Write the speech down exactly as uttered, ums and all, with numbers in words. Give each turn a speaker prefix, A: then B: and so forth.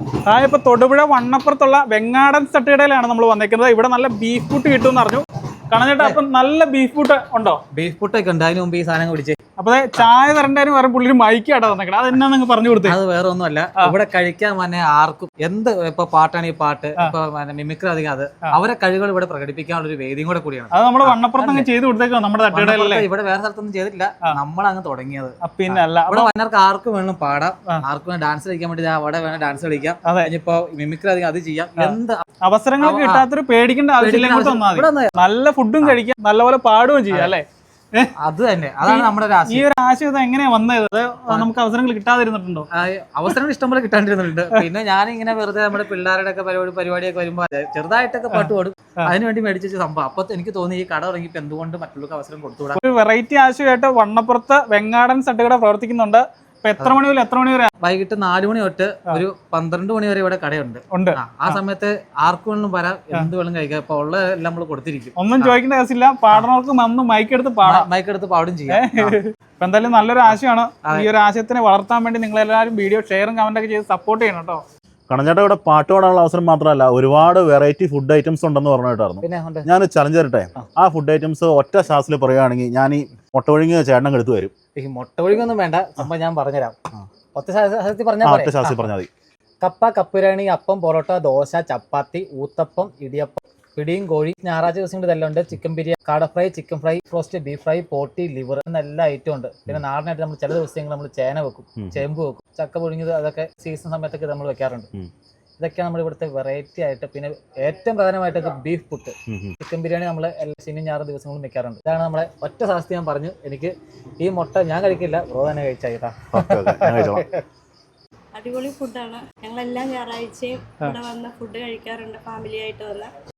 A: ആ ഇപ്പൊ തൊടുപുഴ വണ്ണപ്പുറത്തുള്ള വെങ്ങാടൻ തട്ടുകടയിലാണ് നമ്മൾ വന്നേക്കുന്നത്. ഇവിടെ നല്ല ബീഫ് ഫുഡ് കിട്ടുമെന്ന് അറിഞ്ഞു. കാരണം ചേട്ടാ അപ്പം നല്ല ബീഫ് ഫുഡ് ഉണ്ടോ?
B: ബീഫ് ഫുഡൊക്കെ ഉണ്ട്. അതിന് മുമ്പ് ഈ സാധനം കുടിച്ചേ.
A: അപ്പൊ ചായ തരണ്ടാരും വേറെ പുള്ളിന് മൈക്കാട്ടോ തന്നേക്കണം. അത് എന്നാ പറഞ്ഞു കൊടുത്തേ?
B: അത് വേറെ ഒന്നുമല്ല, ഇവിടെ കഴിക്കാൻ തന്നെ ആർക്കും എന്ത് ഇപ്പൊ പാട്ടാണ് ഈ പാട്ട് ഇപ്പൊ മിമിക്രി അധികം അത് അവരെ കഴിവുകൾ ഇവിടെ പ്രകടിപ്പിക്കാനുള്ള ഒരു വേദിയും കൂടെ കൂടിയാണ്.
A: അത് നമ്മുടെ വണ്ണപ്പുറത്ത് അങ്ങ് ചെയ്ത് കൊടുത്തേക്കോ നമ്മുടെ തട്ടുകടയിലല്ലേ?
B: ഇവിടെ വേറെ സ്ഥലത്തൊന്നും ചെയ്തിട്ടില്ല, നമ്മളങ്ങ് തുടങ്ങിയത്.
A: പിന്നെ അല്ല
B: ഇവിടെ വന്നവർക്ക് ആർക്കും വേണം പാടാം, ആർക്കും വേണം ഡാൻസ് കളിക്കാൻ വേണ്ടി അവിടെ വേണം ഡാൻസ് കളിക്കാം. ഇനിയിപ്പോ മിമിക്രി അധികം അത് ചെയ്യാം. എന്ത്
A: അവസരങ്ങളൊക്കെ കിട്ടാത്തൊരു പേടിക്കേണ്ട ആവശ്യമില്ല. നല്ല ഫുഡും കഴിക്കാം, നല്ലപോലെ പാടുകയും ചെയ്യാം അല്ലേ?
B: അത് തന്നെ, അതാണ് നമ്മുടെ
A: ഈ ഒരു ആശയം എങ്ങനെയാ വന്നത്? നമുക്ക് അവസരങ്ങൾ കിട്ടാതിരുന്നിട്ടുണ്ടോ?
B: അവസരങ്ങൾ ഇഷ്ടംപോലെ കിട്ടാണ്ടിരുന്നുണ്ട്. പിന്നെ ഞാനിങ്ങനെ വെറുതെ നമ്മുടെ പിള്ളേരുടെ ഒക്കെ പരിപാടി പരിപാടിയൊക്കെ വരുമ്പോൾ ചെറുതായിട്ടൊക്കെ പാട്ട് പാടും. അതിനുവേണ്ടി മേടിച്ച സംഭവം. അപ്പൊ എനിക്ക് തോന്നി ഈ കട തുടങ്ങിയപ്പോ എന്തുകൊണ്ട് മറ്റുള്ളവർക്ക് അവസരം കൊടുത്തുകൂടാ. ഒരു വെറൈറ്റി ആശയമായിട്ട് വണ്ണപ്പുറത്ത് വെങ്ങാടൻ തട്ടുകട പ്രവർത്തിക്കുന്നുണ്ട്. ഇപ്പൊ എത്ര മണി മുതൽ എത്ര മണി വരെ? വൈകിട്ട് നാലു മണി തൊട്ട് ഒരു പന്ത്രണ്ട് മണി വരെ ഇവിടെ കടയുണ്ട്.
A: ഉണ്ട്.
B: ആ സമയത്ത് ആർക്കും വേണം വരാം, എന്ത് വേണം കഴിക്കാം. ഇപ്പൊ ഉള്ള എല്ലാം നമ്മൾ കൊടുത്തിരിക്കും.
A: ഒന്നും ചോദിക്കേണ്ട കേസില്ല. പാടുന്നവർക്ക് വന്ന് മൈക്കെടുത്ത് പാടാം,
B: മൈക്കെടുത്ത് പാടും ചെയ്യാം.
A: ഇപ്പൊ എന്തായാലും നല്ലൊരു ആശയമാണ്. ഈ ഒരു ആശയത്തിനെ വളർത്താൻ വേണ്ടി നിങ്ങൾ എല്ലാവരും വീഡിയോ ഷെയറും കമന്റ് ഒക്കെ ചെയ്ത് സപ്പോർട്ട് ചെയ്യണം കേട്ടോ.
C: കണ്ണഞ്ചേട്ടാ ഇവിടെ പാട്ട് പാടാനുള്ള അവസരം മാത്രമല്ല, ഒരുപാട് വെറൈറ്റി ഫുഡ് ഐറ്റംസ് ഉണ്ടെന്ന് പറഞ്ഞിട്ടായിരുന്നു. ഞാൻ ചലഞ്ച് തരട്ടെ, ആ ഫുഡ് ഐറ്റംസ് ഒറ്റ ശ്വാസത്തിൽ പറയുകയാണെങ്കിൽ ഞാൻ ഈ മുട്ട ഒഴുങ്ങിയ ചേട്ടൻ എടുത്തു വരും.
B: ഈ മുട്ട ഒഴുകൊന്നും വേണ്ട, സംഭവം ഞാൻ പറഞ്ഞുതരാം. ഒറ്റ ശ്വാസത്തിൽ
C: പറഞ്ഞാൽ മതി.
B: കപ്പ, കപ്പുരാണി, അപ്പം, പൊറോട്ട, ദോശ, ചപ്പാത്തി, ഊത്തപ്പം, ഇടിയപ്പം, പിടിയും കോഴി. ഞായറാഴ്ച ദിവസം ഇതെല്ലാം ഉണ്ട്. ചിക്കൻ ബിരിയാണി, കാട fry, chicken fry, roast, beef fry, പോട്ടി, ലിവർ എന്ന എല്ലാ ഐറ്റവും ഉണ്ട്. പിന്നെ നാടനായിട്ട് നമ്മൾ ചില ദിവസങ്ങൾ നമ്മൾ ചേന വെക്കും, ചേമ്പ് വെക്കും, ചക്ക പുഴുങ്ങിയത്, അതൊക്കെ സീസൺ സമയത്തൊക്കെ നമ്മൾ വെക്കാറുണ്ട്. ഇതൊക്കെയാണ് നമ്മുടെ ഇവിടുത്തെ വെറൈറ്റി ആയിട്ട്. പിന്നെ ഏറ്റവും പ്രധാനമായിട്ടൊക്കെ ബീഫ് പുട്ട്, ചിക്കൻ ബിരിയാണി നമ്മൾ എല്ലാ ശനി ഞായർ ദിവസങ്ങളും വെക്കാറുണ്ട്. ഇതാണ് നമ്മളെ ഒറ്റ സാഹസത്തിൽ ഞാൻ പറഞ്ഞു. എനിക്ക് ഈ മുട്ട ഞാൻ കഴിക്കില്ല, ബ്രോ തന്നെ കഴിച്ചാ.
D: അടിപൊളി ഫുഡാണ്. ഞങ്ങളെല്ലാം ഞായറാഴ്ചയും ഇവിടെ വന്ന് ഫുഡ് കഴിക്കാറുണ്ട്, ഫാമിലി ആയിട്ട് വന്ന്.